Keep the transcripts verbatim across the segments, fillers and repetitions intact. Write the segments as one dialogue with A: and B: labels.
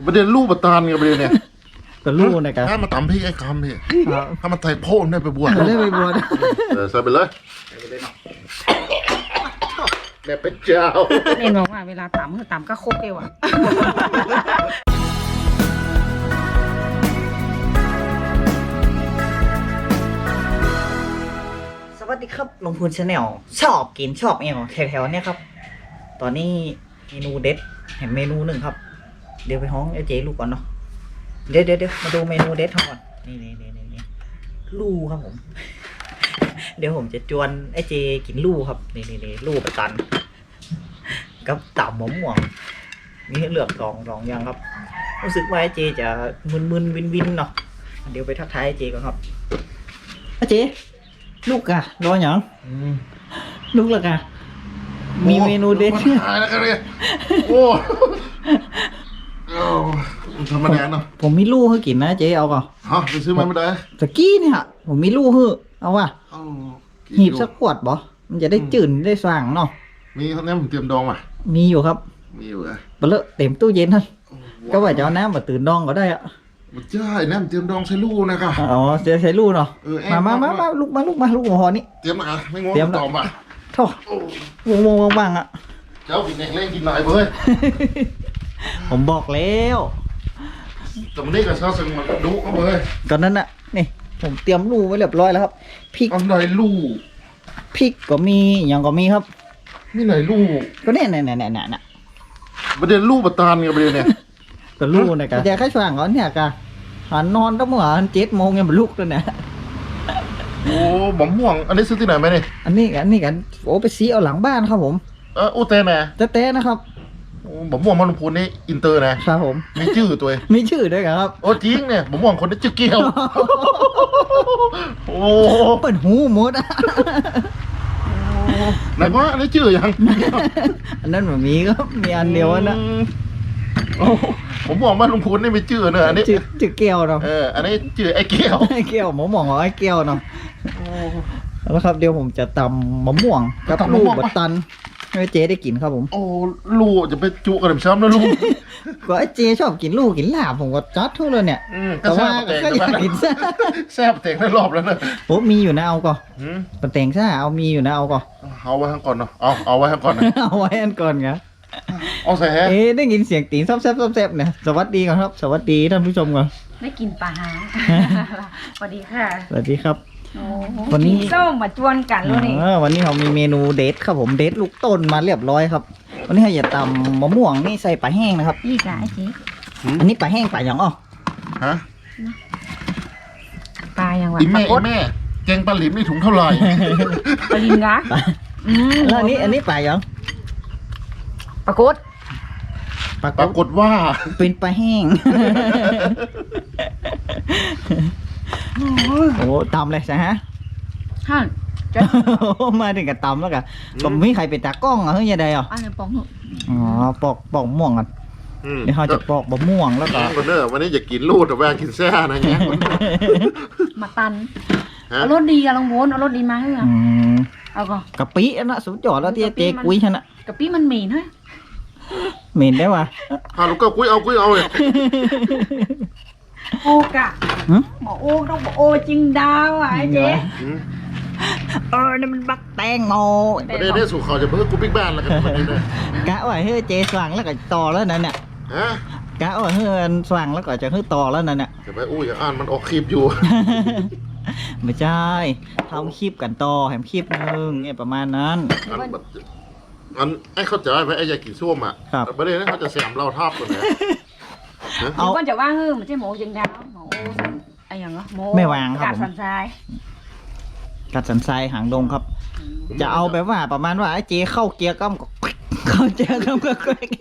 A: ประเด็นลูกประตานไงประเด็นเนี่ย
B: ก็รู้นะครับ
A: ถ้ามาตำพี่ไอ้คำพี่ถ้ามาไต่โพ่นได้ไปบวช
B: ไม่ได้ไปบวช
A: เออใส่ไปเลยแม่เป็นเจ้า
C: เอ็นบอกว่าเวลาต่ำคือต่ำก็ครบเอวอะ
B: สวัสดีครับลงพูนชาแนลชอบกินชอบเอวแถวๆเนี่ยครับตอนนี้เมนูเด็ดเห็นเมนูหนึ่งครับเดี๋ยวไปห้องไอ้เจ๊ลูกก่อนเนาะเดี๋ยวเดี๋ยวเดี๋ยวมาดูเมนูเด็ดเขาก่อนนี่นี่นี่นี่นี่ลู่ครับผม เดี๋ยวผมจะจวนไอ้เจกินลู่ครับนี่นี่นี่ลู่ประกันกับต่ำหมม่วงมีให้เลือกสองสองอย่างครับรู้สึกว่าไอ้เจจะมึนๆวินๆเนาะเดี๋ยวไปทักทายไอ้เจก่อนครับไอ้เจลูกอะรออย่างลูกละกะมีเมนูเด็ด
A: มันหายแล้วกันเลยโอ้ธรรมดาเนาะ
B: ผมมีลูกให้กินนะเจ๊เอาก่อน
A: ฮะไปซื้อมาไม่ได้
B: ตะกี้เนี่ยผมมีลูกให้เอาว่ะหีบสักขวดบ่มันจะได้จืดได้สว่างเนาะ
A: มีเขาเนี่ยผมเตรียมดองมา
B: มีอยู่ครับ
A: มีอยู่อะ
B: เปลือกเต็มตู้เย็นท่านก็ว่าจะเอาน้ำมาตื่นดองก็ได้อะ
A: มันใช่เนี่ยผมเตรียมดองใช้ลูกนะครับ
B: อ๋อจะใช้ลูกเนาะ
A: เออแอบ
B: มามามามาลูกมาลูกมาลูกหัวหอนี่
A: เตรียมนะไม่งง
B: เตรียม
A: ตอบอ่ะ
B: โถ่วงวงวงวางอ่ะ
A: เจ้ากินเองเล่นกินหน่อยเว้ย
B: ผมบอกแล้ว
A: แต่มันนี่กับชาวซึงมันดุเขาเว้ย
B: ก่อนนั้นน่ะนี่ผมเตรียมลูกไว้เรียบร้อยแล้วครับพริก
A: อันไหนลูก
B: พริกก็มีอย่างก็มีครับ
A: นี่ไหนลูก
B: ก็เนี่ยเนี่ยเนี่ยเนี่ยเนี่ย
A: ประเด็นลูกประตานไงประเด็นเนี่ย
B: ก็ลูกนะครับแต่แค่ช่วงก่อนเนี่ยกะหันนอนตั้งเมื่อเจ็ดโมงยังเป็นลูกแล้วเนี่ย
A: โอ้หมอมม่วงอันนี้ซื้อที่ไหนไหมเนี่ย
B: อันนี้อันนี้กันโอ้ไปซีเอาหลังบ้านครับผม
A: เอออูเต้นะ
B: เต้ๆนะครับ
A: โอ้หมอมม่วงมันลงพูนนี่อินเตอร์นะครับ
B: ผม
A: มีชื่อตัวเอง
B: มีชื่อด้วยครับ
A: โอ้จริงเนี่ยหมอมม่วงคนนี้ชื่อเกียวโอ้
B: เปิดหูหมดอะ
A: ไหนว่าอันนี้ชื่อยัง
B: อันนั้นแบบมีครับมีอันเดียวนะ
A: โอ้ผมมองว่าลุงพูนนี่มีชื่อเนอะอันนี้
B: จืดจืดเกียวเนาะ
A: เอออันนี้ชื่อไอ้เกียว
B: ไอ้เกียวหมอหมองว่าไอ้เกียวเนาะแล้วครับเดี๋ยวผมจะตำมะม่วงกับลูกบัตตันให้เจ๊ได้กินครับผม
A: โอ้ลูกจะไปจุกันช้ำนะลูก
B: ก็ไอ้เจ๊ชอบกินลูกกินลาบผมก็จัดทุกเลยเนี่ย
A: อืม
B: แต่ว่าก็อยากกินซ่า
A: แซ่บเตงได้รอบแล้วเนอะ
B: โอ้มีอยู่นะเอาก่อน
A: หืม
B: ปนเต็งซ่าเอามีอยู่นะเอาก่อน
A: เอาไว้ข้างก่อนเนาะเอาเอาไว้ข้างก่อนนะ
B: เอาไว้อันก่อนครับ
A: เอาใส่แฮะ
B: เอ๊ะได้ยินเสียงตีนซอบแซบซอบแซบเนี่ยสวัสดีก่อนครับ สวัสดีท่านผู้ชมก่อน
C: ได้กินปลาหาสวัสดีค่ะ
B: สวัสดีครับ
C: โอ้
B: วันนี้
C: ส้มมาจวนกันแล้วนี่
B: เออวันนี้เรามีเมนูเดทครับผมเดทลูกต้นมาเรียบร้อยครับ วันนี้เราจะตำมะม่วงนี่ใส่ปลาแห้งนะครับ
C: นี่กะไอ้เจ๊
B: อันนี้ปลาแห้งปลาอย่างอ้อ
A: ฮะ
C: ปลายังวะ
A: อีแม่
C: ปลา
A: อีแม่แกงปลาหลิมนี่ถุงเท่าไหร่
C: ปลาลินกะอืม
B: แล้วอันนี้อันนี้ปลาอย่าง
C: ปลากด
B: ปลา
A: ปรากฏว่า
B: เป็นปลาแห้ง โอ้ตำเลยใช่ฮะ
C: ฮะจะ
B: มาถึงกับตำแล้วกันก็ไม่มีใครเป็นตากล้องอ่ะเฮ้ยยังไงอ่ะ
C: อันนี้ปองหนู
B: อ๋อปอกปอกม่วงกัน
A: อืม
B: เดี๋ยวเขาจะปอกบะม่วงแล้วก็
A: แง่คนเนอะวันนี้อย่ากินลูดแต่ว่ากินแซ่นะแง่คนเนอะ
C: มาตัน
A: ฮะ
C: เอารถดีอะลองวนเอารถดีมาให้อะ
B: อืม
C: เอาก่อน
B: กะปิอันนะสุดยอดแล้วที่เจ๊กุ้ยฉันอะ
C: กะปิมันเหม็นเฮ้ย
B: เหม็นได้ว่ะ
A: ฮาลูกก็กุ้ยเอากุ้ยเอาเลย
C: โอกะ
B: หึ
C: บอกโอต้องบอกโอจริงดาวอ่ะไอ้เจ๊
A: อืม
B: เออนี่มันบักแตงโม
A: ประเด็นนี้สู่เขาจะเพิ่งกูบิ๊กบ้านแล้วกันประเด็นนี้
B: กะว่าเฮ้ยเจ๊สว่างแล้วก็ต่อแล้วนั่นน่ะ
A: ฮะ
B: กะว่าเฮ้ยสว่างแล้วก็จะเฮ้ยต่อแล้วนั่นน่ะ
A: จะไปอู้อย่างอ่านมันออกคลิปอยู่
B: ไม่ใช่ทำคลิปกันต่อแถมคลิปหนึงเนี่ยประมาณนั้น
A: อันแบบอันไอ้เข้าใจไหมไอ้ยากินส้วมอ่ะ
B: ครับ
A: ประเด็นนี้เขาจะแซมเราทาบตัวไหน
C: เดี๋ยวก่อนจะว่าเฮ้ยมันใช่หมูจริงดาวหมูไอ้อย่างเนาะหมู
B: ไม่วางครับ
C: กาด
B: ผม
C: สันทราย
B: กัดสันทรายหางดงครับ จะเอาแบบว่าประมาณว่าไอ้เจ๊เข้าเกียร์ก้ำก็ เข้าเกียร์ก้ำก็แกว่ง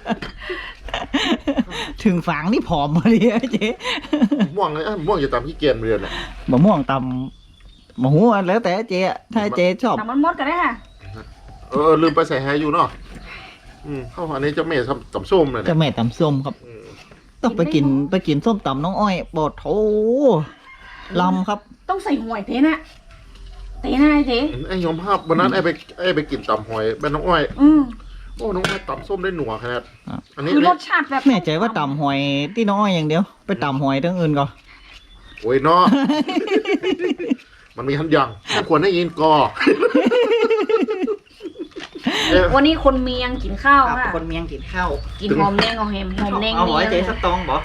B: ถึงฝังนี่ผอมมาเลยไอ้เจ๊
A: ม่วงเลยอ่ะม่วงอย่าตามพี่เกียนเรียนอ่ะ
B: มะม่วงตำมะฮูอันแล้วแต่เจ๊อะถ้าเจ๊ชอบ
C: แต่มันมดกันได้ค่ะ
A: เออลืมไปใส่แฮอยู่เนาะอืมเข้าอันนี้เจะเมย์ทำตำส้มเลย
B: จะ
A: เนี่ย
B: แม่ตำส้มครับ
A: อืม
B: ต้องไปกินไปกินส้มตำน้องอ้อยปอดโถลำครับ
C: ต้องใส่หวยเทน่ะเทน่ะไอ้เจ๊
A: ไอ้ยอมภาพวันนั้นไอ้ไปไอ้ไปกินตำหอยบ้านน้องอ้อย
C: อืม
A: โอ้น้องแม่ตำส้มได้หนัวขนาดอันนี้
C: คือรสชาติแบบ
B: แน่ใจว่าตำหอยที่น้อยอย่างเดียว ไปตำหอยทั้งอื่นก่อน
A: โอ้ยเนาะ มันมีทันอย่างไม่ควรได้ยินกอ
C: วันนี้คนเมียงกินข้าว
B: ครับ
C: ค่ะ
B: คนเมียงกินข้าว
C: กินหอมแดงเอาแฮมหอมแดง
B: เอาหอยเจ๊
C: นี่
B: สตองบ่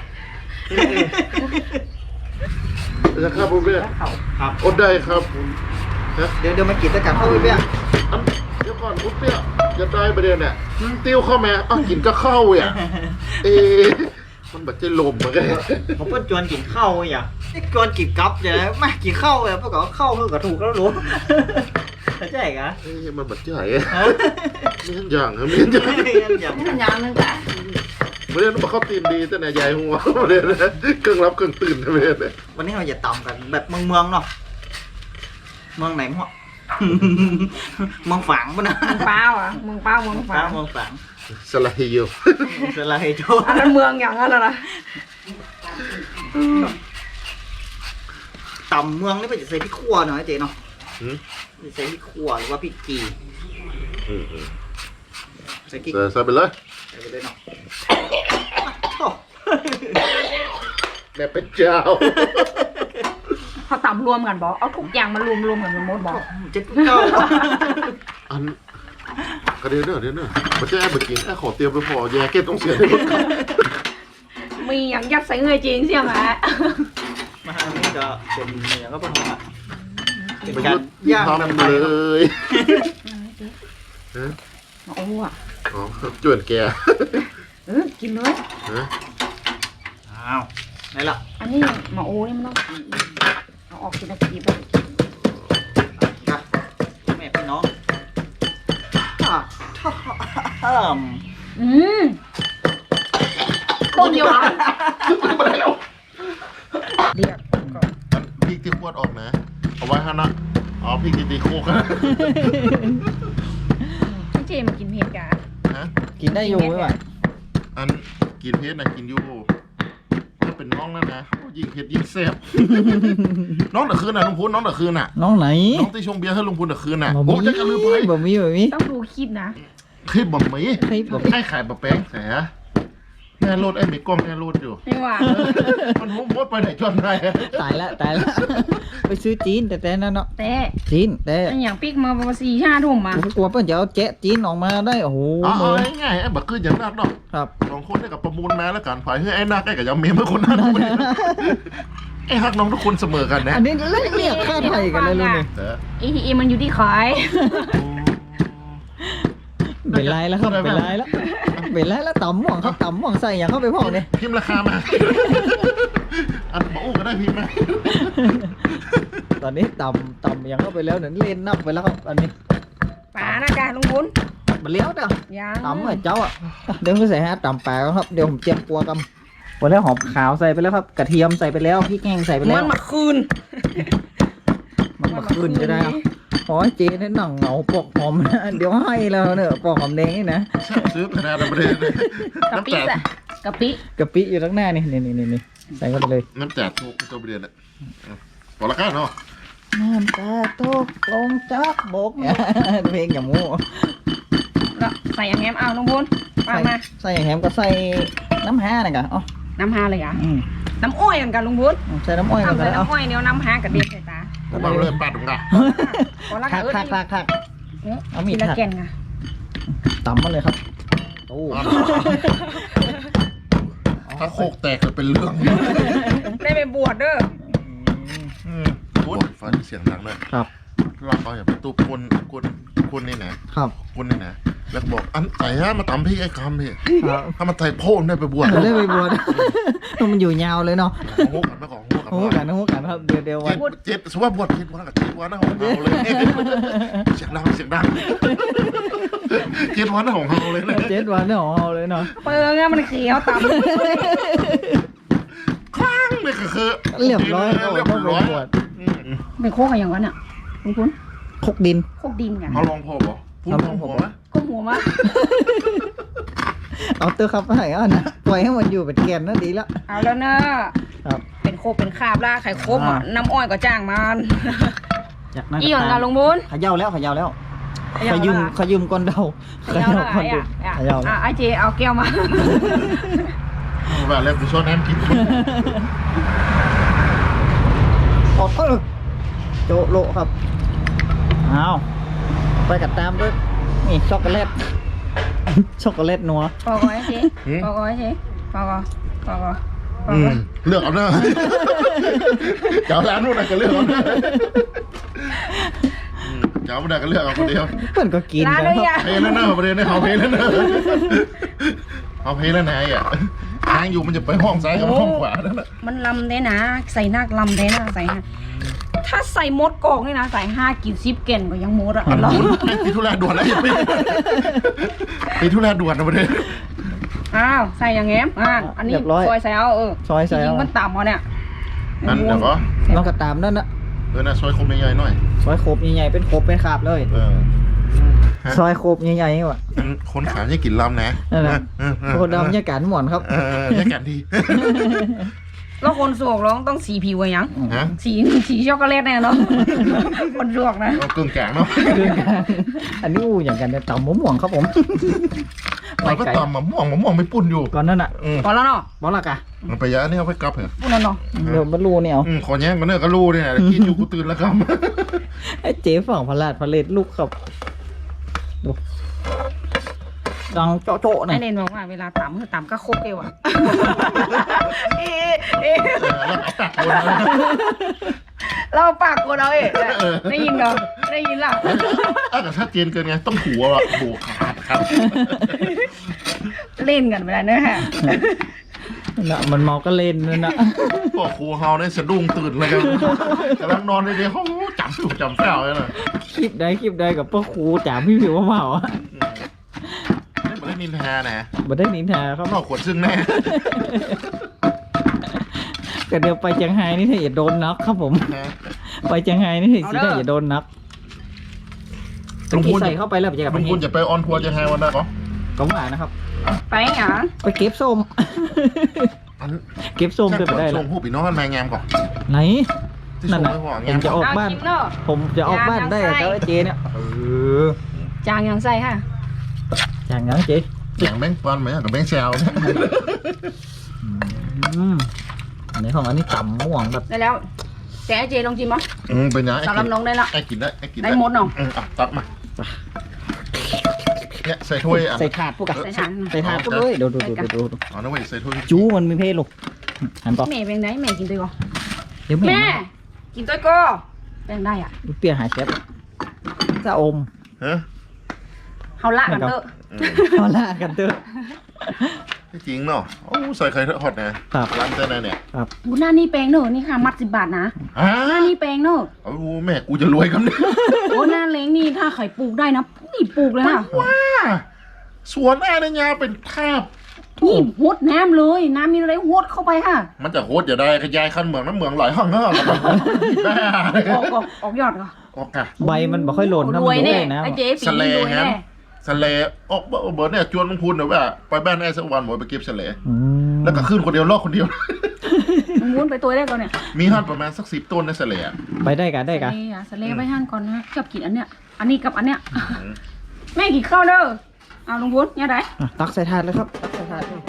A: จะครับผมเบี้ย
B: ครับ
A: อดได้ครับ
B: เดี๋ยวเดี๋ยวมากินด้วยกันเข้าไปเบี้ย
A: อันเดี๋ยวก่อนผมเบี้ยจะได้ประเด็นเนี่ยอืมติ้วเข้ามาอ้าวกินก็เข้าอ่ะเอ๊ะมันแบบจะลมเหมือนกัน
B: ผมเพิ่งชวนกินข้าวอย่าชวนกินกับอย่ามากินข้าวเลยเพราะก็ข้าวเพิ่งก็ถูกแล้วรู้เข้าใจกะ
A: เอ๊ะมันแบบใหญ่อะมีทันอย่างครับมีทันอย่าง
B: อย่าง
C: นี่มันยางนึงจ้ะ
A: ประเด็นมันเข้าตีนดีแต่เนี่ยใหญ่หัวประเด็นนะเครื่องรับเครื่องตื่นประเด็นเนี่ย
B: วันนี้เราจะตำกันแบบเมืองเมืองๆเนาะเมืองไหนมั่ว เมืองฝางปะนะ
C: เมืองเป้าอ่ะเมืองเป้าเมืองฝาง
B: เมืองฝาง
A: สลายอยู่
B: สลายโจ
C: อันนั้นเมืองอย่างนั้นน่ะนะ
B: ตำเมืองนี่เป็นจะใส่พริกขั่วหน่อยเจ๊เนาะ
A: หืม
B: จะใส่พริกขั่วหรือว่าพริกกี
A: อืมอืม
B: ใส่พริก
A: ใส่ใส่ไปเลย
B: ใส่ไปเลยเนาะ
A: แม่เป็นเจ้า
C: เขาตำรวมกันบอกเอาทุกอย่างมารวมรวมกันเป็นมดบอก
B: เจ็ดเก้า
A: อันกระเด็นเนอะเดี๋ยวเนอะมันจะแอบไปกินแอบขอเตรียมไปพอแย่เก็บต้องเสียในรถครับ
C: มีอย่างยัดใส่เงยจริงใช่ไหม
B: มาอันนี้จะเป็นอย่างก็เป็นของอ่ะเป็น
A: ไป
B: การ
A: ยุด
B: ย่างแบบ
A: ทำ
B: ไท
A: เลย ยฮะ
C: โอ้อ่ะ
A: อ๋อจวนแก
C: เออกินเลย
A: ฮะ
B: อ้าวไหนล่ะ
C: อันนี้หมาโอ้นี่มันต้องกินเอาออกกินตะกี้ไป
B: ครับแม่พี่น้องท่าท่าท่าม
C: อืมต้มเดียวกัน
A: ไม่ได้แล้ว
C: เดียวก่อน
A: อันพริกที่ขวดออกนะ เอาไว้ฮะนะอ๋อพริกที่ตีโคกนะ
C: พี่เจมากินเผ็ดกัน
A: ฮะ
B: กินได้อยู่ไหมวะ
A: อันกินเพชรนะกินอยู่ถ้าเป็นน้องนั่นนะโอ้ยิ่งเพชรยิ่งแซ่บ น้องตะคืนน่ะลุงพูนน้องตะคืนน่ะ
B: น้องไหน
A: น้องที่ชงเบียร์ให้ลุงพูนตะคืนน่ะโอ้จะกันลืมไป
B: บ่มีบ่มี
C: ต้องดูคลิปนะ
A: คลิปบ่มี
B: คลิปบ่มี
A: ให้ขายบะแป้งแสแม่รถไอ้มีกล้องแม่รถอยู่
C: ไม่ว่า
A: มันมุดมดไปไหนจนได้
B: ตายละตายละ ไปซื้อจีนแต่แต่นั่นเนาะ
C: แต่
B: จีนแต่
C: อันอย่างปิ๊กมาประมาณสี่ห้าทุ่มมา
B: ผมกลัวเพิ่นจะเอาแจ๊ะจีนออกมาได้โอ้โห
A: อ๋อ
B: มือ
A: ง่ายๆไอ้บักคืออย่างนักเนาะ
B: ครับ
A: สองคนได้กับประมูลมาแล้วกันฝ่ายให้ไอ้นักไอ้กับยาเมียเมื่อคนนั้นไอ้ฮักน้องทุกคนเสมอกันนะ
B: อันนี้เล่นเรียกค่าไทยกันเลยลูกนี่
A: แต่
C: เอทีเอ็มมันอยู่ที่ขาย
B: เป็นไรแล้วครับเป็นไรแล้วเป็นไรแล้วต่ำหม่องครับต่ำหม่องใส่อย่างเข้าไปพ่องเนี่ย
A: พิมพ์ราคามา อันบอกอู้ก็ได้พิมพ์มา
B: ตอนนี้ต่ำต่ำอย่างเข้าไปแล้วเนี่ยเล่นนับไปแล้วครับอันนี้
C: ป่านะจ๊ะลุงบุญ
B: มันเลี้ยวเด้อ
C: ยัง
B: ต่ำเหมือนเจ้าอ่ะเดี๋ยวผมใส่ฮะต่ำแปลกครับเดี๋ยวผมเตรียมปัวกันหมดแล้วหอมขาวใส่ไปแล้วครับกระเทียมใส่ไปแล้วพริกแห้งใส่ไปแล้
C: มั
B: วน
C: มาคืน
B: มันมาขึ้นจะได้ครับขอให้เจนี่หนังเหงาปอกหอมนะเดี๋ยวให้แล้วเนี่ยปอกหอมแดงนี่นะ
A: ซื้อขนาดนั้นประเด็น
C: กะปิ
A: น้ำแตก
C: อะกะปิ
B: กะปิอยู่ข้างหน้านี่นี่นี่นี่นี่ใส่เข้าไปเลย
A: น้ำแตกทุกตัวประเด็นอ่ะพอละกันเนาะ
B: น้ำตาตกลงจากบก เพลงอย่างมู
C: แล้วใส่อย่างแงมเอาลุงบุญมา
B: ใส่
C: มา
B: ใส่อย่างแฮมก็ใส่น้ำห้าหน่อยกันอ๋อ
C: น้ำฮาเลยอ่ะ
B: อืม
C: น้ำอ้อยกันกันลุงบุญ
B: ใส่น้ำอ้อยกัน
C: ทำใส่
B: แล้วเอา
C: น้ำอ้อยเดี๋ยวน้ำฮากระเด็นใส่ตา
A: ผมเอาเลยปัดตรงนั้น
C: พอละ
B: คัก
C: เอิ้
B: คักคักคัก
C: เอา
B: เอามี
C: มี
B: ด
C: ละ
B: หัก
C: แก่นไง
B: ตำมาเลยครับโอ้
A: ถ้าโคกแตกจะเป็นเรื่อง
C: ได้ไปบวชเด้อ
A: โอ้ยฟันเสียงดังเลย
B: ครับ
A: เราเอาอย่าไปตู้คนคนคนนี่นะครับ คนนี่นะแล้วก็บอกอันไหนฮะมาตำพี่ไอ้คำพี่
B: ครับ
A: ถ้ามันไต่โพ่นได้ไปบวช
B: เดี๋ยวได้ไปบวช มันอยู่ยาวเลยเนาะ
A: ของโฮกันไม่ของโฮกัน
B: โอ้กันนะโอ้กันครับเดี๋ยวเดี๋ยววัน
A: เจ็ดสมมติว่าบวชเจ็ดวันกับเจ็ดวันนะของเราเลยเสียงดังเสียงดังเจ็ดวันนะของเราเลยนะ
B: เจ็ดวันเนี่ยของเราเลยเนาะ
C: เปิงอะมันเขียวต่ำ
A: ข้างนี่ก็คือ
B: เรียบร้อย
A: เรียบ
B: ต้องไป
A: ร้อย
B: บวช
C: เป็นโคกอะไรอย่างวะเนี่ยลุงพุน
B: คกดิน
C: โคกดินกัน
A: เอาลองพอบ่พูดลองพอไหม
C: ก้มหัวมา
B: เอาเตอร์ครับให้อ่ะนะปล่อยให้มันอยู่เป็นแกนนะดีแล้ว
C: เอาแล้วเนอะ
B: ครับ
C: เป็นโคกเป็นคราบล่าไข่คมอ่ะ
B: อ่า
C: น้ำอ้อยก็จ้างมัน
B: จากนั้น
C: อีหยังกันลุงบุญ
B: เขย่าแล้วเขย่าแล้ว
A: ค
B: ขยืมขยืมก้อนเดา
C: เขย่าละ
B: ก้อน
C: ไอ้
B: ดู
C: อะ
B: ขยาว
C: อ่ะไอ้เจเอาแก้วมา
A: ว่าแล้วกูชอบน้ำกิน
B: ออกเออโจโลครับเอาไปกัดตามด้วยนี่ช็อกโกแลต ช็อกโกแลตนัว
C: พอก่อนไอ้เจพอก่อนไอ้เจพอก่อนพอก่อนพอ
A: อื
C: ก่อ
A: ม
C: น
A: เลือกเอาเนอะเจ้าร้านนู่นน่ะก็เลือกเอาเนอะอืมเจ้าไม่ได้ก็เลือกเอาคนเดียว
B: เพื่อนก็กิน
C: ร้าน
B: กัน
C: เลย
B: ครับ
C: อ่ะ
A: เพลแล้วเนอะประเด็นเนี่ยเขาเพลแล้วเนอะเขาเพลแล้วนายอ่ะทางอยู่มันจะไปห้องซ้ายกับห้องขวานั่นแหละ
C: มันลำได้นะ ใส่นักลำได้นะใส่ห้าถ้าใส่มดกอกนี่นะใส่ห้ากินซิปเก่นก็ยังมดอ่ะเรา
A: ปีทุเรศด่วนแล้วอย่าไปปีทุเรศด่วนนะประเด็น
C: อ้าวใส่อย่างเงี้ยอ่าอันนี้ซอยใส่เอาเออ
B: ซอยใส่
C: จริ
B: เอา
C: งๆมันต่ำเอาเนี่ย
A: นั่นเดี๋ยวก็
B: น้องกัดตามนั่นนะ
A: เออนะซอยคมใหญ่ๆหน่อย
B: ซอยโคบใหญ่ๆเป็นโคบเป็นขาบเลย
A: เออ
B: ซอยโคบใหญ่ๆนี่ว่ะ
A: มันคนขายจะกินลำนะ
B: นั่นแหละ
A: เออเออ
B: โคดำยาการหมอนครับ
A: เออเออแยกกันดี
C: แล้วคนสวกร้องต้องสีผิวอะยัง
A: ฮะ
C: สีสีช็อกโกแลตแน่เนาะ คนสวกนะ
A: เอากึ่งแกงเนาะ
B: อันนี้อู้อย่างกันเนี่ยต่ำมะม่วงครับผม
A: เราก็ตำมะม่วงมะม่วงไม่ปุ่นอยู่
B: ก่อนนั่นอ่ะ
A: อืม
C: พอแล้วเนาะ
B: บอลละกะ
A: มันไปยะนี่เอาไปกลับเหรอ
C: พูดแล้วเนาะ
B: เดี๋ยวบรรลุเนี่ยเอา
A: อืมขอแย่งกันเนอะก็รู้เนี่ยกินอยู่กูตื่นแล้วครับ
B: ไอ้เจ๊ฝั่งพลาดพลเลดลูกครับดูดังโจ๊ะโจ๊ะเนี่
C: ไอ้
B: ย
C: เนนบอกว่าเวลาต่ำคือต่ำก็โคกเอวอะเอ๊ะเอ๊ะ
A: เออแล้วเอาปากวนนะ
C: เราปากกลัวเราเอ๊ะได้ยินเหรอได้ยินล่ะ
A: อ่ะแต่ถ้าเจนเกินไงต้องหัวอ่ะโบขาดครับ
C: เล่นกันไปแล้วเนอะฮะ
B: น่ะมันเมาก็เล่นนั่นน่ะ
A: พวกครูเฮาเนี่ยสะดุ้งตื่นเลยกันกำลังนอนในเดียวเขาจำถูกจำแป้วเลยนะ
B: คลิปใดคลิปใดกับพ่อครูจ๋าพี่ผิวว่าเมาอ่ะ
A: ไม่ได้นินทานะ
B: บ่ได้นินทาครับ
A: นอกขวดซึ่งแน่
B: ก็เดี๋ยวไปเชียงไฮ้นี่ถ้าอย่าโดนนักครับผม
A: นะ
B: ไปเชียงไฮ้นี่สิถ้าอย่าโดนนักเป็นที่ใส่เข้าไปแล้วไปเจอกับ
A: ลุ
B: มั
A: ง
B: น
A: คุณจะไปออนทัวร์ยังไงวันนั้นก็
B: ก็หวานนะครับ
C: ไปหยัง
B: ไปเก็บส้ม
A: อัน
B: เก็บส้มจะไปได้
A: ส่
B: ละ
A: งผู้ปีน้องมางามก่อน
B: ไหน
A: ที่
B: นั่
A: ส่
B: น
A: ง
B: น่ะ
A: ไปห่อ
B: ผ
A: งาม
B: มจะออกบ้าน
C: กินเนาะ
B: ผมจะออกบ้านได้กับเจ้าไอ้เจเนี่ยเออ
C: จางยังใส่ค่ะ
B: อย่างนั้นเจ
A: อย่างแบงค์ปอนไหมกับแบงค์แซวเนี่ย
B: อืมอันนี้ของอันนี้ต่ำม่วงแบบ
C: ได้แล้วแต่ไอ้เจลองชิมมั้ย
A: อืมเป็นยังไง
C: สำหรับน้องได้ละ
A: ไอ้กินได้ไอ้กิน
C: ได้หมดเนาะ
A: อืมอ่ะตักมาเนี่ยใส่ถ้วยอ่ะ
B: ใส่ถาดพวกอะ
C: ใส่ถาด
B: ใส่ถาดพวกเลยดูดูดูดูดู
A: อ๋อนะเว้ยใส่ถ้วย
B: จูมันมีเพศลูกหันต่อ
C: แม่เป็นไงแม่กินตัวก่อน
B: เดี๋ยวแม่
C: แม่กินตัวก็เป็นได้อ่ะ
B: เปรี้ยวหายเชฟจะอม
A: ฮะ
C: เฮาละกันเถอะ
A: อืม
B: เอาละกันเถอะ
A: จริงเนาะโอ้ใส่ไข่ทอดนะครับ ร้านเจ้าไหนเนี่ย
C: บูหน้านี่แปลงเนอะนี่ค่ะมัดสิบบาทนะ
A: อ่า
C: หน้านี่แปลงเนอะ
A: โอ้แม่กูจะรวยกันเนี่ย
C: โอ้หน้าเล้งนี่ถ้าไข่ปลูกได้นะนี่ปลูกเลยค่ะ
A: ว้าสวนแอร์ในยาเป็นคาบ
C: นี่หดน้ำเลยน้ำมีอะไรหดเข้าไปค่ะ
A: มันจะโคตรอย่าได้ขยายขั้นเมืองน้ำเมืองหลายห้องเนอะแม่
C: ออกออกออกยอดก่อน
A: ออกอะ
B: ใบมันบ่ค่อยหล่นถ้าร มัน
C: วย
B: โดน
C: แน่
B: เลยนะ
C: ไอ้เจ๊ปีนี้รวยแน่
A: สเลออกเบอร์เนี่ยจวนลงทุนเดี๋ยวว่าไปบ้านไอ้สักวันหมดไปเก็บสเล
B: อืม
A: แล้วก็ขึ้นคนเดียวลอกคนเดียว
C: มึงม้วนไปตัวได้ก่อนเนี่ย
A: มีหั่นประมาณสักสิบต้นในสเลอะ
B: ไปได้กันได้กัน
C: สเลอะสเลไปหั่นก่อนนะชอบกินอันเนี้ยอันนี้กับอันเนี้ยแม่กินข้าวเด้อเอาลุงพุทธเนี่ยได้
B: อ่ะตักใส่ถาดเลยครับตักใส่ถาดเลย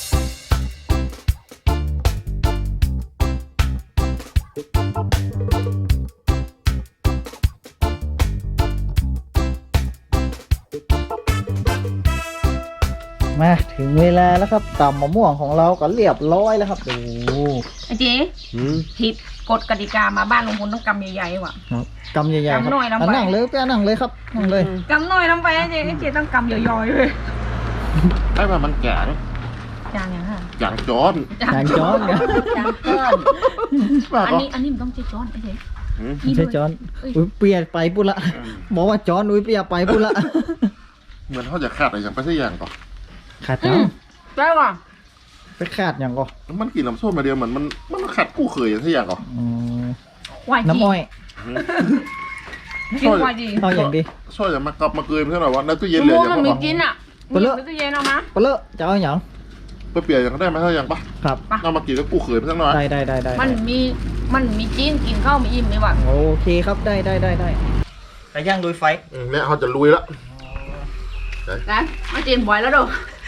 B: มาถึงเวลาแล้วครับตำมะม่วงของเราก็เรียบร้อยแล้วครับดู
C: ไอ้เจ๊ผิดกฎกติกามาบ้านลุงพุทธต้องกำใหญ่ๆว่ะ
B: ครับกำใหญ่ๆครับ
C: กำหน่อยลงไป
B: ะนั่งเลยแป้นั่งเลยครับนั่งเลย
C: กำหน่อยลงไปไอ้เจ๊ไอ้เจ๊ต้องกำย่อยๆเลย
A: ไอ้แบบมันแก่เนอะ
C: จางยังค่ะ
A: อย่างจอน
B: จางจ้อนเนี่ย
C: จางก้อน
A: ว่า
C: อัน
A: ก็
C: นี้อันนี้มันต้องเจ๊จ้อนไอ้เจ๊
A: อืม
B: ไม่ใช่จอนอุ้ยเปียไปปุ๊ละบอกว่าจอนอุ้ยเปียไปปุ๊ละ
A: เหมือนเขาจะขาดอะไรอย่างไปสักอย่างก่อน
B: ขาดจัง
C: ได้ว่ะ
B: ไปขาดอย่างก่อ
A: มันกินน้ำส้มมาเดียวเหมือนมันมันขัดกู้เคยอย่างสักอย่างก่อน
B: อืม
C: วายจี
B: น้ำอ้อย
C: กินวายจี
B: เอาอย่างดี
A: ช่วยจะมากลับมาเกยเพื่อนหน่อยว่าในตู้เย็น
C: มะ
A: เหลือ
C: ม่วง
A: อย่าง
C: มันมี
A: ปะ
C: กินอ่ะ
B: ไปเลย
C: มีตู้เย็นเอามา
B: ไปเลยจะเอาอย่าง
A: ไปเปลี่ยนอย่างได้ไหมสักอย่างปะ
B: ครับ
A: เอามากินแล้วกู้เคยเพื่อนหน่อย
B: ได้ได้ได้ได้
C: มันมีมันมีจีนกินข้าวไม่อิ่มเลยว่ะ
B: โอเคครับได้ได้ได้ได้ไก่ย่างลุยไฟ
A: อืมเนี่ยเขาจะลุยละ
C: นะมาจีนบ่อยแล้วเด้อ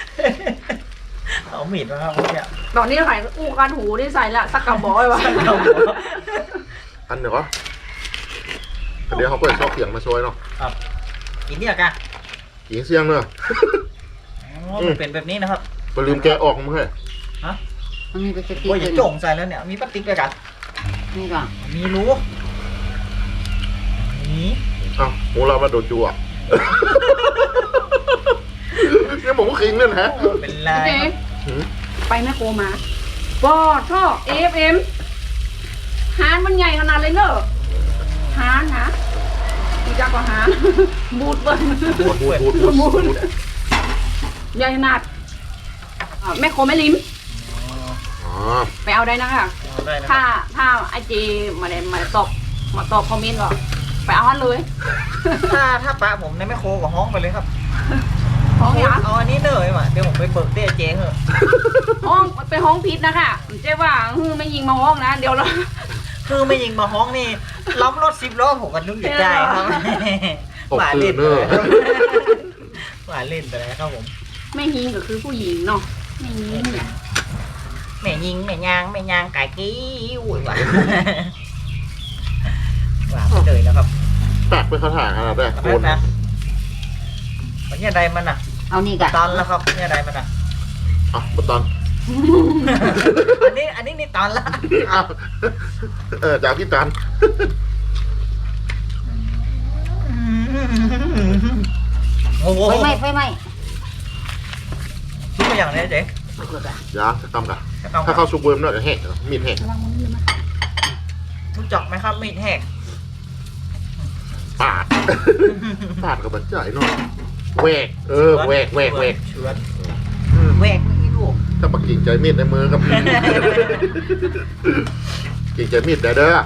B: เอามีดมาครับเนี่ย
C: ตอนนี้ใส่อู้กันหูนี่ใส่ละสักกระบอกเลยวะ
A: อันเดี๋ยวก็เดี๋ยวเขาเปิดซอกเสียงมาช่วยเนาะ
B: ครับกินเนี่ยกัน
A: กินเสียงเนอะ
B: อ๋อมันเป็นแบบนี้นะครับ
A: ไปลืมแกะออกมั้งเฮ้ย
D: มันมีไปสติ
B: โอ้ย
D: ก
B: อย่า
D: เลย
B: โจ่งใส่แล้วเนี่ยมีพลาสติกด้วยกัน
D: นี่ก่อน
B: มีรูนี่
A: อ้าวโหเรามาโดนจูอ่ะ เนี่ยผมก็คิงเนี่ยนะ
B: เป็นไร
C: เจ๊
A: หืม
C: ไปแม่โคมาปอท่อเอฟเอ็มหานมันใหญ่ขนาดเลยเนอะหานนะมีจักกว่าหาน บูดเบิ้ล
A: พูดพูดพูดพูดพูด
C: ใหญ่ขนาดอ่าแม่โคแม่ลิ้ม
A: อ๋อ
C: ไปเอาได้นะคะ
B: เอาได้นะค
C: ถ้า
B: รับ
C: ถ้าไอเจมาเลยมาตอบมาตอบคอมเมนต์ก็ไปเอาฮันเลย
B: ถ้าถ้าปะผมในแม่โคกับห้องไปเลยครับ
C: ห้องยัง
B: เอาอันนี้เลยว่ะเดี๋ยวผมไปเบิกเตี้ยเจ๊เหอะ
C: ห้องไปห้องพิษนะคะเจ๊ว่าฮือไม่ยิงมาห้องนะ เดี๋ยวเรา
B: คือไม่ยิงมาห้องนี่ล้อมรถสิบล้อผมก็นึกอยากได้ครับ
A: ตก
B: หวาน
A: ตื่
B: เล่
A: น
B: น
A: เน
B: ไป
A: อะ
B: หวานเล่นไปแล้วครับผม
C: ไม่ยิงก็คือผู้หญิงเนาะไม่ยิงเนี่ย
B: แม่ยิงแม่ยางแม่ยางไก่กี้อุ้ยหวานหวานไปเลยแล้วครับ
A: แปลกไปคาถาขนาดได้
B: ข
A: โค
B: นาด
A: น
B: นะมันเนี่ยใดมันอ่ะ
D: เอานี่ก่อน
B: ตอนแล้วครับเนี่ยใดมันอ่ะ
A: อ่ะมาตอน
B: อันนี้อันนี้นี่ตอนละ
A: อ้าวเออจากพี่ตัน
B: โอ้โห
D: ไฟไหม้ไฟไหม้
B: ทุกอย่างเลยเจ๊
A: ยาจะตำกัน
B: จะต้อง
A: ถ้าเข้าซุปเวิร์มเนอะจะแห้งมีดแห้ง
B: รู้จักไหมครับมีดแหก
A: ปาด ปาดกับบันจ่ายเนาะแหวกเออแหวกแหวกแหวก
B: เฉือน
A: อืม
B: แหวกไม่ลูก
A: ถ้าปักกิ่งใจมีดในมือกับ กิ่งใจมีดได้เด้อ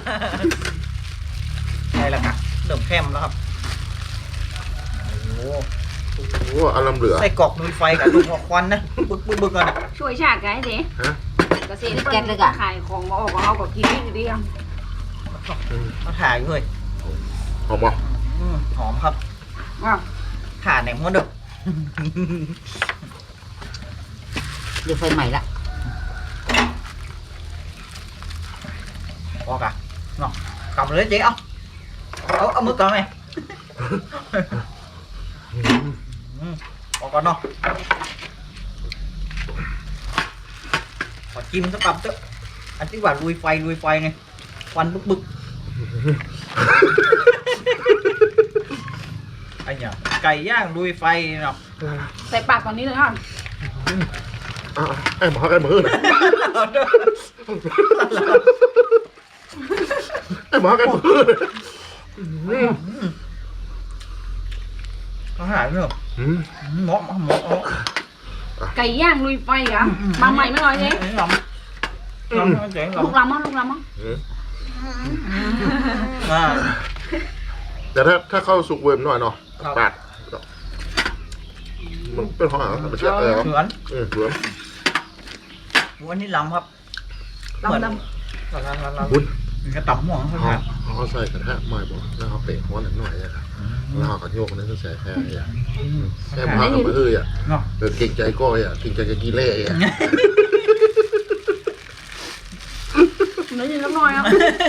B: ใช่แล้วครับเริ่มแคมแล้วครับโอ้โห
A: โอ้อารมณ์เหลือ
B: ใส่กรอกลุยไฟกับลูกหัวควันนะบึกบึกบึกกันอ่ะ
C: ช่วยชาติกันไอ้เจ๊
A: ฮะ
C: เกษตรกรขายของมาออกของเขาก็กินนี่ดีอ่ะ
B: เขาถ่ายอยู่เลย
A: หอมบ่
B: อืมหอมครับ
C: อ่ะ
B: ถ่ายไหนมันเด้อ
D: เดี๋ยวไฟใหม่ละ
B: ออกอ่ะเนาะกำเลยเจ๊เอาเอาเอามือกำไหมอืมออกก่อนเนาะขอจิ้มสักคำเถอะอันที่ว่าลุยไฟลุยไฟไงควันบึกบึกไอ้เนี่ยไก่ย่างลุยไฟเนาะ
C: ใส่ปากตอนนี้เลยค่ะ
A: อ่ะไอ้หมอไอ้หมือนะไอ้หมอไอ้หมือนะอืม
B: เขาหายไปเนอะ
A: อืม
B: หมอหมอหมอ
C: ไก่ย่างลุยไฟเหรอมาใหม่ไม่น้อยเจ๊
B: ไอ้ลำลำเจ๋ง
C: ลูก
B: ลำ
C: ลำมั้งลูกลำมั้ง
A: อืม
B: อ่า
A: แต่ถ้าถ้าเข้าซุปเวิร์มหน่อยเนาะ
B: ครับ
A: ปาดมันเป็นของอะไรมันเชื่ออะไรวะ
B: เฉือน
A: เออเวิร์ม
B: วันนี้ลำครับ
C: ลำล
B: ลำลำลำลำ
A: บุญ
B: กระต่ำหัวเขา
A: เขา
B: ครับ
A: เขาใส่กระทะใหม่บอกแล้วเขาเปะหัวหน่อยหน่อยอะครับแล้วเขาก็โยกนั่นก็ใส่แค่อ่ะแค่พักกับเอ้ยอ่ะ
B: เนาะ
A: เออเก่งใจก้อยอ่ะเก่งใจจะกีเล่อ่ะ
C: ำเนื้อยืนน้ำน้อยอ่ะ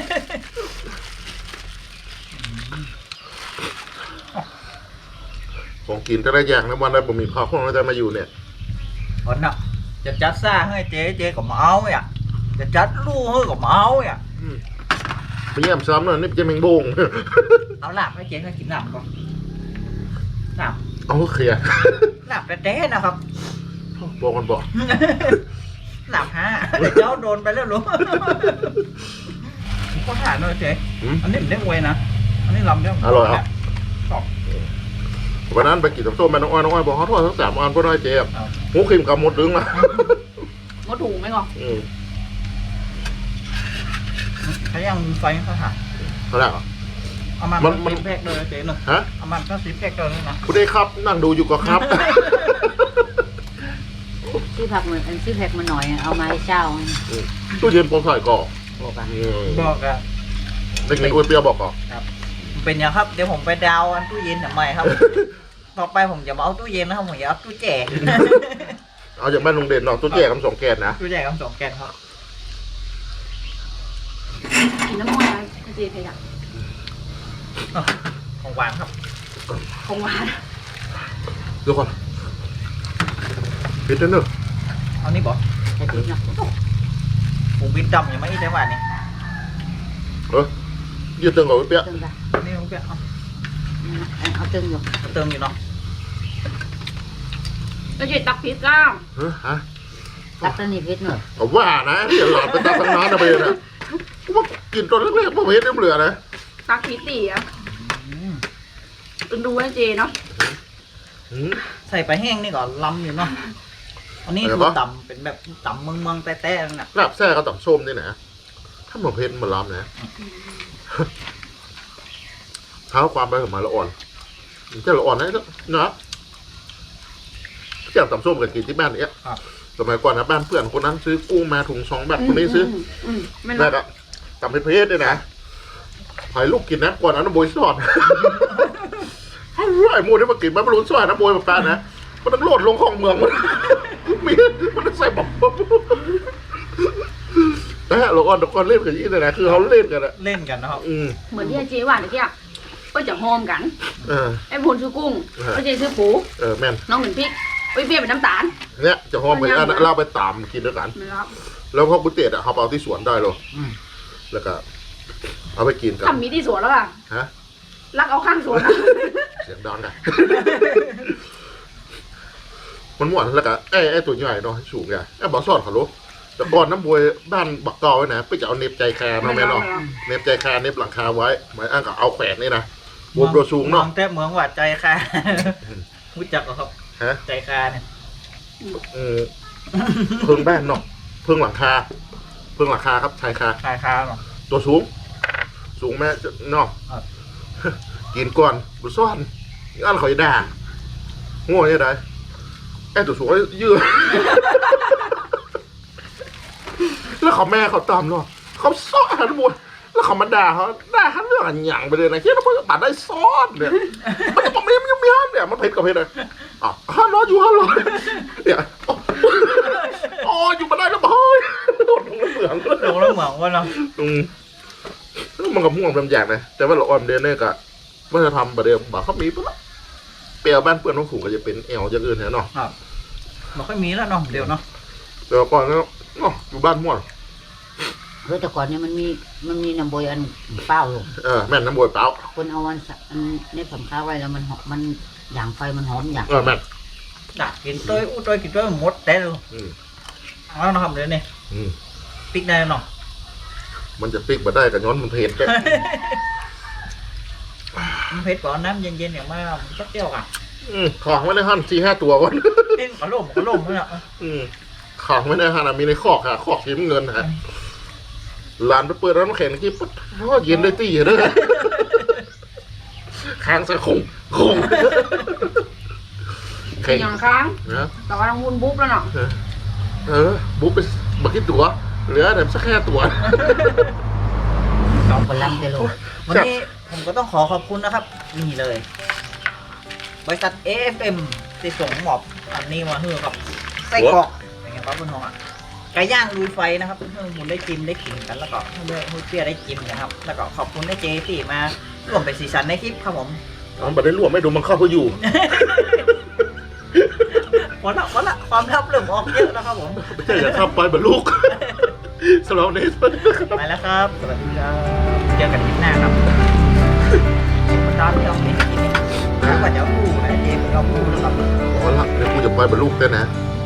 A: ของกินแต่ละอย่างนะวันนั้นผมมีข้าวข้องแล้วจะมาอยู่เนี่ย
B: คนน่ะจะจัดซ่าให้เจ๊เจ๊ก็มาเอาอ่ะจะจัดลูกให้ก็มาเอาอ่ะ
A: อืมไปเยี่ยมซ้ำหน่อยนี่จะแมงโบง
B: เอาลาบให้เจ๊ก็กินลาบก่อนลาบ
A: เอาเคลียร์
B: ลาบแท้ๆนะครับ
A: บอกกันบอก
B: ลาบฮะเดี๋ยวเจ้าโดนไปแล้วลูกก็ถ่ายหน่อยเจ๊
A: อืม
B: อันนี้มันได้ไวนะอันนี้ลำได้
A: อร่อยครับ
B: ชอบ
A: วันนั้นไปกินน้ำส้มแม่น้องอ้อยน้องอ้อยบอกเขาทอดทั้งสามอันเพราะได้เจ๊อะหมูเค็มกับหมดดึงมา
C: มดถูกไหมก่อน
A: อืม
B: เขายังมีไฟเขาถ่าย
A: เขาได้เหรอ
B: เอามัน
A: มันมัน
B: สิบแพ็กเลยเจ๊หนึ่ง
A: ฮะ
B: เอามันก็สิบแพ็กเลยนะ
A: คุณได้ครับนั่งดูอยู่ก็ครับ
D: ซื้อผักเหมือนอันซื้อแพ็กมาหน่อยเอามาให้เช่า
A: ตู้เย็นผมใส่ก่อน
D: บอกอ่ะ
A: อืม
B: บอกอะ
A: เด็กๆอ้วนเปรี้ยวบอกก่อน
B: มเป็นยังครับเดี๋ยวผมไปดาวอันตู้เย็นทำไมครับ ต่อไปผมจะมาเอาตู้เย็นนะครับผมจะเอาตู้แจก
A: เอาจากบ้านลุงเด่นเนาะตู้แจกคำสองแกนนะ
B: ตู้แจกคำสองแกนครับ
C: กินน้ำมันอะไรเจเพดะ
B: ของหวานครับ
C: ของหวาน
A: เดี๋ยวก่อนปิดเด้อเนอะ
B: เอานี่บอก
D: ใส่พริกเนาะ
B: ผมบินดำยังไม่ได้หวานนี่
A: เออยืดตึงก่อนไว้เปียก
D: ตึงจ้ะ
B: นี่ลุงเปียกเอา
D: เอาตึงอยู่
B: เอาเติมอยู่เนาะ
C: แล้วเจตักพริกก้าม
A: เออฮะ
D: ตักตัวนี้พริกหน่อย
A: เอาว่านะเดี๋ยวหลอดไปตักตั้งนานนะไปนะว่ากินตอนแรกๆพอเห็นน้ำเหลือนะ
C: ตักพริกตีอ่ะ
B: อืม
C: เป็นดูนะเจเนาะ
A: อืม
B: ใส่ไปแห้งนี่ก่อนล้ำอยู่เนาะอันนี้
A: อะไร
B: คือ
A: วะ
B: ต่ำเป็นแบบต่ำเมืองเมืองๆแต้ๆนั่นน่ะ
A: ลาบแซ่ก็ต้องส้มนี่นะถ้าหมอเพชรมาล้ำนะเท้าความไปกับมาละอ่อนเจ้าละอ่อนนะนะอย่างต่ำส้มกับกินที่บ้านเนี้ยสมัยก่อนนะบ้านเพื่อนคนนั้นซื้อกุ้งมาถุงสองแบบคนนี้ซื้อ
C: อืมไม่
A: แม่
C: นะ
A: ก็ต่ำเพชรด้วยนะหอยลูกกินนะก่อนนั้นน้ำบวยสอดไอ้โมนี่มากินมันไม่รู้สอดน้ำบวยแบบนั้นนะมันต้องโหลดลงของเมืองมันมีมันต้องใส่บอมนะฮะเราอ่อนตะกอนเล่นกันยี่เลยนะคือเขาเล่นกันอะ
B: เล่นกันนะครับ
A: อืม
C: เหมือนที่เจหวานเมื่อกี้ก็จะหอมกัน
A: เออ
C: ไอ้พลซื้อกุ้ง
A: เออ
C: ไอ้เจซื้อปู
A: เออแม่น
C: น้องเป็นพริกไอ้เบี้ยเป็นน้ำตาล
A: เนี่ยจะหอมไปอันนั้นเราไปตามกินด้วยกัน
C: ไม่รับ
A: แล้วเขาบุเตตอ่ะเขาเอาที่สวนได้เลย
B: อืม
A: แล้วก็ เอาไปกินกัน
C: ทำมีที่สวนแล้วอ่ะ
A: ฮะ
C: รักเอาข้างสวนอะ
A: เสียงดังกัน มันหวานแล้วก็ไอ้ไอ้ตัวใหญ่เนาะสูงใหญ่ไอ้บอสอดเขาลูกแต่ก่อนน้ำบวยบ้านบักเกาไว้นะไปจะเอาเน็บใจแคร์มาแม่เนาะเน็บใจแคร์เน็บหลังคาไว้หมายอ้างกับเอาแขวนนี่นะบวมตัวสูงเนาะ
B: มือแต่เมืองหวาดใจค่ะรู้จักเหรอครับ
A: ฮะ
B: ใจคาเนี่ย
A: เออเพิ่งบ้านเนาะเพิ่งหลังคาเพิ่งหลังคาครับชายคา
B: คาคาเนาะ
A: ตัวสูง สูงแม่จะเนาะ
B: ครับ
A: กินก่อนบุซ่อนอันเขาจะด่าง่วงยังไงไอ้ตัวสูงยืด แล้วเขาแม่เขาตามเนาะเขาซ้อนหันมวยแล้วเขามาด่าเขาด่าเขาเรื่องอันหยั่งไปเลยนะที่เราพูดปัดได้ซ้อนเนี่ยมันจะบอกไม่ยังไม่ห้ามเนี่ยมันเผ็ดกับเผ็ดเลยอ่ะห้ามรออยู่ห้ามรอเนี่ยอ๋ออยู่มาได้แล้วบอยโดดลงเหมือง
B: โดนแล้วเหมืองว่าเนาะ
A: อืมมันกับม่วงเป็นอย่างนะแต่ว่าเราออมเดนเนี่ยก็ไม่จะทำประเดี๋ยวบอกเขามีปุ๊บละเปรียวบ้านเพื่อนน้องฝูงก็จะเป็นแอลอย่างอื่นเนี่ยเนาะ
B: ครับมันค่อยมีแล้วเนาะเดี๋ยวเนาะ
A: เดี๋ยวก่อนแล้วเนาะอยู่บ้านม่วน
D: เฮ้ยแต่ก่อนเนี่ยมันมีมันมีน้ำบวยอันเป้าอยู่
A: เออแม่นน้ำบวยเปล่า
D: คนเอาวันสะอันนี้ผมค้าไว้แล้วมันหอมมันอย่างไฟมันหอมอย่าง
A: เออแม่น
B: ด่ากินต้อยอู้ต้อยกินต้อยหมดแต่เลย
A: อืม
B: เอาเนาะครับเดี๋ยวนี้
A: อืม
B: ปิกได้เนาะ
A: มันจะปิกมาได้กับย้อนมันเผ็ดแก
B: มันเผ็ดกว่าน้ำเย็นๆอย่างมากมันก็เปรี้ยวอ่ะ
A: อืมของไว้ในห้างสี่ห้าตัวก่อน
B: เล่นกระโล่มกระโล่มเนี่ย
A: อืมของไว้ในห้างนะมีในคอกค่ะคอกสีเงินฮะร้านไปเปิดร้านแข่งที่ปุ๊บเพราะเย็นได้ตีเด้อค้างใส่คงคง
C: เป็
A: แข่
C: น
A: ง
C: อย่างค้าง
A: นะ
C: แต่ว่าต้องวุ้นบุ๊บแล้วเนาะ
A: เออบุ๊บไปบักกี่ตัวเหลือแต่สักแค่ตัว
D: สองคนลำเตโล
B: วันนี้ผมก็ต้องขอขอบคุณนะครับ นี่เลย บริษัท เอ เอฟ เอ็ม ที่ส่งหมอบอันนี้มาให้กับไส้กรอกเป็นไงครับคุณน้องอ่ะไก่ย่างลุยไฟนะครับเพื่อนคุณได้กินได้กินกันแล้วก็เพื่อนเพื่อนเพื่อได้กินนะครับ แล้วก็ขอบคุณได้เจที่มาร่วมเป็นสีสันในคลิปครับผม
A: มันบัได้รวมไม่ดูมันเข้าไปอยู่
B: พอละพอละความลับเริ่มออกเยอะแล้วครับผม
A: ไม่ใช่อย่าข้ามไปบรรลุก สำหรับนี้สวัสดีครับ
B: ไปแล้วครับสวัสดีครับเจอกันคลิปหน้าครับมันตอนที่เราไม่ได้กินเนี่ยถ้าว่าจะเอาผู้นะเจเป็นเอาผู้นะครับ
A: เอาละเดี๋ยวกูจะไปบรรลุกด้วยนะ
B: ค